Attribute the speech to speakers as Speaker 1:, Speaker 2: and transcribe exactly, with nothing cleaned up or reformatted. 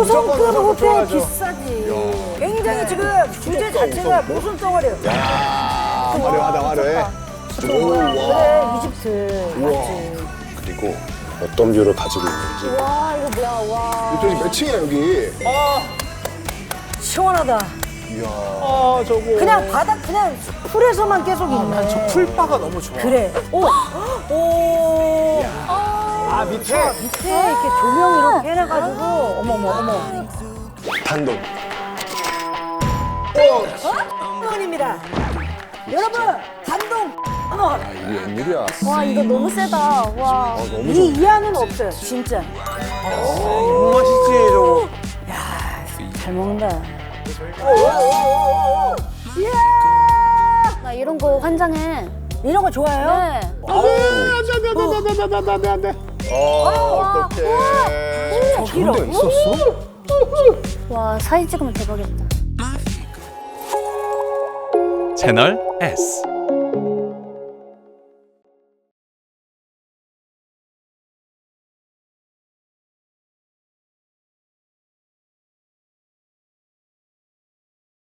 Speaker 1: 고성급 호텔 비싸지. 굉장히 지금 주제 자체가 모순 덩어리예요.
Speaker 2: 야, 화려하다, 화려해. 오,
Speaker 1: 그래,
Speaker 2: 와.
Speaker 1: 이집트.
Speaker 2: 우와.
Speaker 1: 맞지.
Speaker 2: 그리고 어떤 뷰를 가지고 있는지.
Speaker 3: 와 이거 뭐야 와.
Speaker 2: 이쪽이 몇 층이야, 여기?
Speaker 1: 시원하다.
Speaker 2: 이야.
Speaker 4: 아 저거.
Speaker 1: 그냥 바닥 그냥 풀에서만 계속 있네.
Speaker 4: 난 저 풀바가 너무 좋아.
Speaker 1: 그래. 오, 오.
Speaker 4: 아 밑에.
Speaker 1: 밑에 이렇게 조명 이렇게 해놔가지고 어머 어머 어머.
Speaker 2: 단독.
Speaker 1: 원입니다. 여러분 단동. 어머.
Speaker 2: 이게 웬일이야.
Speaker 3: 와 이거 너무 세다. 와.
Speaker 2: 너무
Speaker 1: 이 이하는 없어요. 진짜.
Speaker 4: 너무 맛있지 저거.
Speaker 1: 잘 먹는다.
Speaker 3: 나 이런 거 환장해.
Speaker 1: 이런 거 좋아해요?
Speaker 3: 네.
Speaker 2: 안돼 안돼. 어 어떡해.
Speaker 1: 저기로.
Speaker 2: 저런 데 있었어?
Speaker 3: 와 사진 찍으면 대박이겠다.
Speaker 5: 채널 S